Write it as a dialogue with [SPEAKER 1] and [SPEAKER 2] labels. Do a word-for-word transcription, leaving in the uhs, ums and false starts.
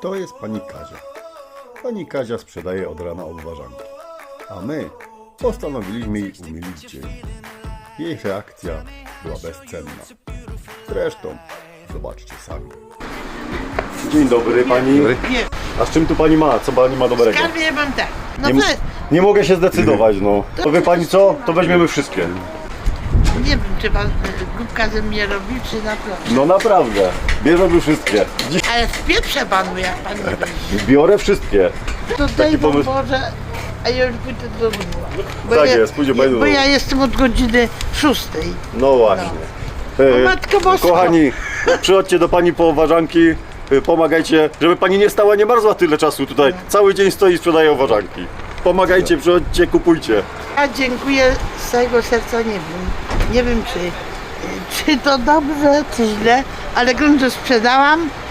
[SPEAKER 1] To jest pani Kazia. Pani Kazia sprzedaje od rana obwarzanki, a my postanowiliśmy jej umilić dzień. Jej reakcja była bezcenna. Zresztą zobaczcie sami. Dzień dobry pani.
[SPEAKER 2] Dobry.
[SPEAKER 3] Nie,
[SPEAKER 1] A z czym tu pani ma? Co pani ma dobrego?
[SPEAKER 3] skarbie mam tak. No
[SPEAKER 1] Nie,
[SPEAKER 3] nie,
[SPEAKER 1] nie mogę się zdecydować, no. To wie pani co? To weźmiemy wszystkie.
[SPEAKER 3] nie wiem, czy pan y, głupka ze mnie robi, czy naprawdę.
[SPEAKER 1] No naprawdę. Bierzemy wszystkie. Dziś
[SPEAKER 3] Ale w pieprze panu, jak pan nie będzie.
[SPEAKER 1] biorę wszystkie.
[SPEAKER 3] To daj wam
[SPEAKER 1] pomysł.
[SPEAKER 3] Boże, a ja już pójdę do domu. Bo
[SPEAKER 1] Tak
[SPEAKER 3] ja,
[SPEAKER 1] jest, pójdzie pani do
[SPEAKER 3] Bo
[SPEAKER 1] domu.
[SPEAKER 3] ja jestem od godziny szóstej.
[SPEAKER 1] No właśnie.
[SPEAKER 3] O
[SPEAKER 1] E,
[SPEAKER 3] Matko Boska.
[SPEAKER 1] Kochani, przychodźcie do pani po ważanki, e, pomagajcie, żeby pani nie stała, nie marzła tyle czasu tutaj. Cały dzień stoi i sprzedaje ważanki. Pomagajcie, przychodźcie, kupujcie.
[SPEAKER 3] A dziękuję z całego serca, nie wiem. Nie wiem, czy, czy to dobrze, czy źle, ale grunt, że sprzedałam,